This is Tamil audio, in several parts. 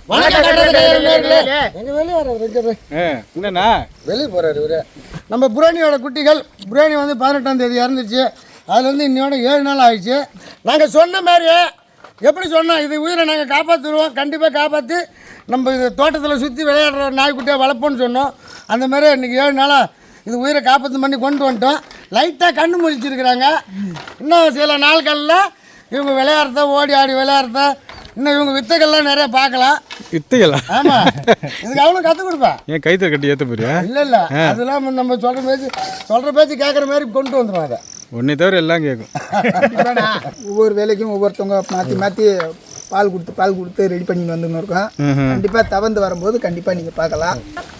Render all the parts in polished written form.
என்னண்ணா வெளியே போகிறாரு இவரு. நம்ம புராணியோட குட்டிகள் புராணி வந்து 18ஆம் தேதி இறந்துச்சு. அதுலேருந்து இன்னையோட 7 நாள் ஆயிடுச்சு. நாங்கள் சொன்ன மாதிரியே எப்படி சொன்னோம், இது உயிரை நாங்கள் காப்பாற்றுருவோம், கண்டிப்பாக காப்பாற்றி நம்ம இது தோட்டத்தில் சுற்றி விளையாடுற நாய்க்குட்டியாக வளர்ப்போம்னு சொன்னோம். அந்த மாதிரி இன்றைக்கி 7 நாளாக இது உயிரை காப்பாற்று பண்ணி கொண்டு வந்துட்டோம். லைட்டாக கண்ணு முழிச்சிருக்கிறாங்க. இன்னும் சில நாட்களில் இவங்க விளையாடுறத ஓடி ஆடி விளையாடுறத இன்னும் இவங்க வித்தைகள்லாம் நிறைய பார்க்கலாம். வித்தைகளா? ஆமாம், இதுக்கு அவனும் கற்றுக் கொடுப்பேன். ஏன் கைத்தை கட்டி ஏற்ற போறியா? இல்லை அதெல்லாம் நம்ம சொல்கிற பேச்சு கேட்குற மாதிரி கொண்டு வந்துடும். அதை உன்னை தவிர எல்லாம் கேட்கும். ஒவ்வொரு வேலைக்கும் ஒவ்வொருத்தவங்க மாற்றி பால் கொடுத்து ரெடி பண்ணிட்டு வந்துன்னு இருக்கோம். கண்டிப்பாக தவந்து வரும்போது கண்டிப்பாக நீங்கள் பார்க்கலாம்.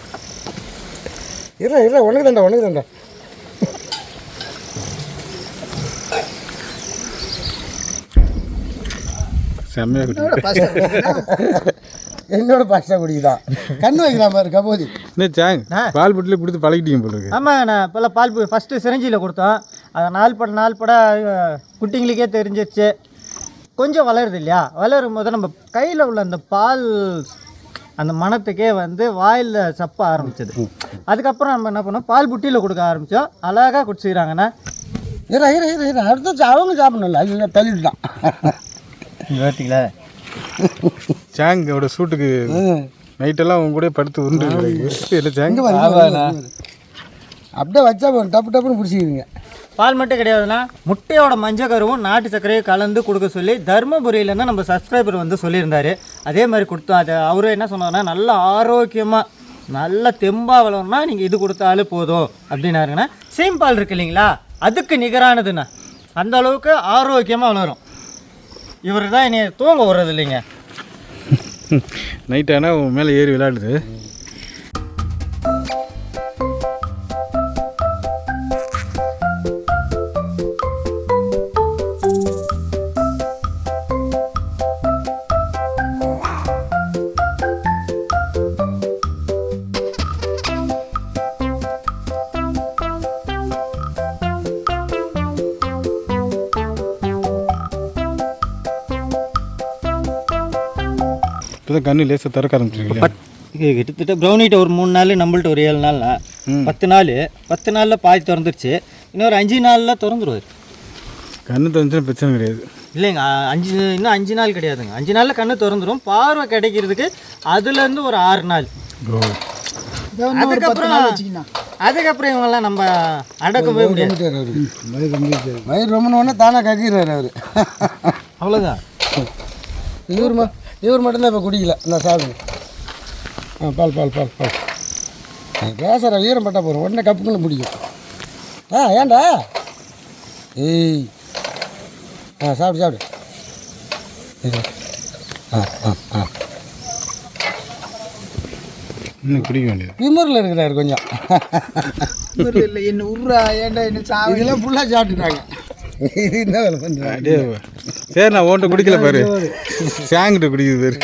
இல்லை உனக்கு தாண்டா செம்மையா குட்டி. என்னோட பாஸ்டா குடிக்குதான் கண்ணு வைக்கிறான் பாரு கபோதி. பால் புட்டில கொடுத்து பழகிட்டீங்க போல இருக்கு. ஆமாம், நான் இப்போல்லாம் பால் ஃபஸ்ட்டு சிரஞ்சியில் கொடுத்தோம். அதை நாள் பட குட்டிங்களுக்கே தெரிஞ்சிருச்சு. கொஞ்சம் வளருது இல்லையா, வளரும் போது நம்ம கையில் உள்ள அந்த பால் அந்த மணத்துக்கே வந்து வாயில் சப்ப ஆரம்பிச்சது. அதுக்கப்புறம் நம்ம என்ன பண்ணோம், பால் புட்டியில் கொடுக்க ஆரம்பித்தோம். அழகாக குடிச்சிக்கிறாங்கண்ணா. அடுத்து அவங்க சாப்பிடணும்ல, அது தள்ளிட்டுதான் பார்த்தீங்களா. சாங்கோட சூட்டுக்கு நைட்டெல்லாம் அவங்க கூட படுத்து உருண்டு அப்படியே வச்சா டப்பு டப்புன்னு பிடிச்சிக்கிறீங்க. பால் மட்டும் கிடையாதுன்னா முட்டையோட மஞ்சள் கருவும் நாட்டு சர்க்கரையும் கலந்து கொடுக்க சொல்லி தருமபுரியிலேருந்து நம்ம சப்ஸ்கிரைபர் வந்து சொல்லியிருந்தார். அதே மாதிரி கொடுத்தோம். அது அவரும் என்ன சொன்னார்னா, நல்ல ஆரோக்கியமாக நல்ல தெம்பாக வளரணும்னா நீங்கள் இது கொடுத்தாலும் போதும் அப்படின்னாருங்கண்ணா. சீம்பால் இருக்கு இல்லைங்களா, அதுக்கு நிகரானதுண்ணா. அந்த அளவுக்கு ஆரோக்கியமாக வளரும். இவர் தான் என்னை தூங்க விடுறது இல்லைங்க. நைட் ஆனால் உன் மேலே ஏறி விளையாடுது. இப்போதான் கண்ணு லேசாக திறக்க ஆரம்பிச்சிருக்கீங்களா? கிட்டத்தட்ட ப்ரௌனிட்ட ஒரு 3 நாள், நம்மள்ட்ட ஒரு 7 நாள்னா 10 நாள். 10 நாளில் பாதி திறந்துருச்சு. இன்னொரு 5 நாளில் திறந்துருவார். கண்ணு திறந்துச்சுன்னா பிரச்சனை கிடையாது. இல்லைங்க, இன்னும் 5 நாள் கிடையாதுங்க. 5 நாளில் கண்ணு திறந்துடும். பார்வை கிடைக்கிறதுக்கு அதுலேருந்து ஒரு 6 நாள். அதுக்கப்புறம் இவங்கெல்லாம் நம்ம அடக்கவே முடியாது. மயிர் ரொம்ப தானே கக்கிடுறாரு அவர். அவ்வளோதான். இவர் மட்டும்தான் இப்போ குடிக்கல. நான் சாப்பிடுங்க. பால் பால் பால் பால் பேசுகிற ஈரம் பட்டா போகிறோம், உடனே கப்புக்குன்னு பிடிக்கும். ஏன்டா ஏய் சாப்பிடு. இன்னும் குடிக்க வேண்டியது. விமரில் இருக்கிறாரு கொஞ்சம். இல்லை என்ன உருறா ஏன்டா என்ன இதெல்லாம் ஃபுல்லாக சாப்பிட்டுட்டாங்க. இது என்ன வேலை பண்ணுறாங்க? சரி, நான் ஓன்ட்ட குடிக்கல பாரு, சாங்கிட்ட குடிக்குது பாரு.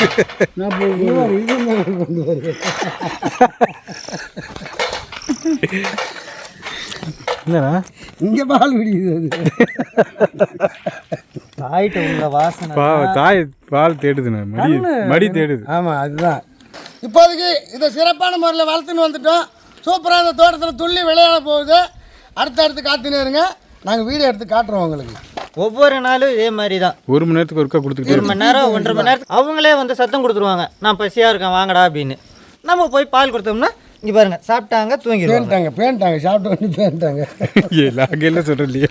என்னடா இங்கே பால் குடிக்குது. தாயிட்ட உள்ள வாசனை. தாய் பால் தேடுதுண்ணா, மடி தேடுது. ஆமாம், அதுதான். இப்போதைக்கு இதை சிறப்பான முறையில் வளர்த்துன்னு வந்துட்டோம். சூப்பராக இந்த தோட்டத்தில் துள்ளி விளையாட போகுது. அடுத்து காத்துனே இருங்க, நாங்கள் வீடியோ எடுத்து காட்டுறோம் உங்களுக்கு. ஒவ்வொரு நாளும் இதே மாதிரி தான். 1 மணி நேரத்துக்கு ஒருக்கா கொடுத்துக்கிட்டு 1 மணி நேரம் 1.5 மணி நேரத்துக்கு அவங்களே வந்து சத்தம் கொடுத்துருவாங்க, நான் பசியாக இருக்கேன் வாங்கடா அப்படின்னு. நம்ம போய் பால் கொடுத்தோம்னா இங்கே பாருங்கள், சாப்பிட்டாங்க, தூங்கிடுவாங்க. பேன்ட்டாங்க சாப்பிட்டு வந்து பேன்ட்டாங்க. எல்லாம் சொல்கிறலையே.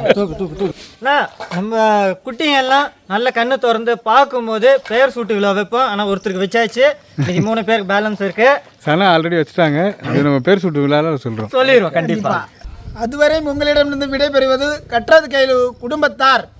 நம்ம குட்டிங்க எல்லாம் நல்ல கண்ணு திறந்து பார்க்கும்போது பெயர் சூட்டு விழா வைப்போம். ஆனால் ஒருத்தருக்கு வச்சாச்சு, இன்னைக்கு 3 பேருக்கு பேலன்ஸ் இருக்குது. சனா ஆல்ரெடி வச்சுட்டாங்க. அது நம்ம பேர் சூட்டு விழாவில் சொல்லிடுவோம் கண்டிப்பாக. அதுவரை உங்களிடமிருந்து விடைபெறுவது கற்றது கையில் குடும்பத்தார்.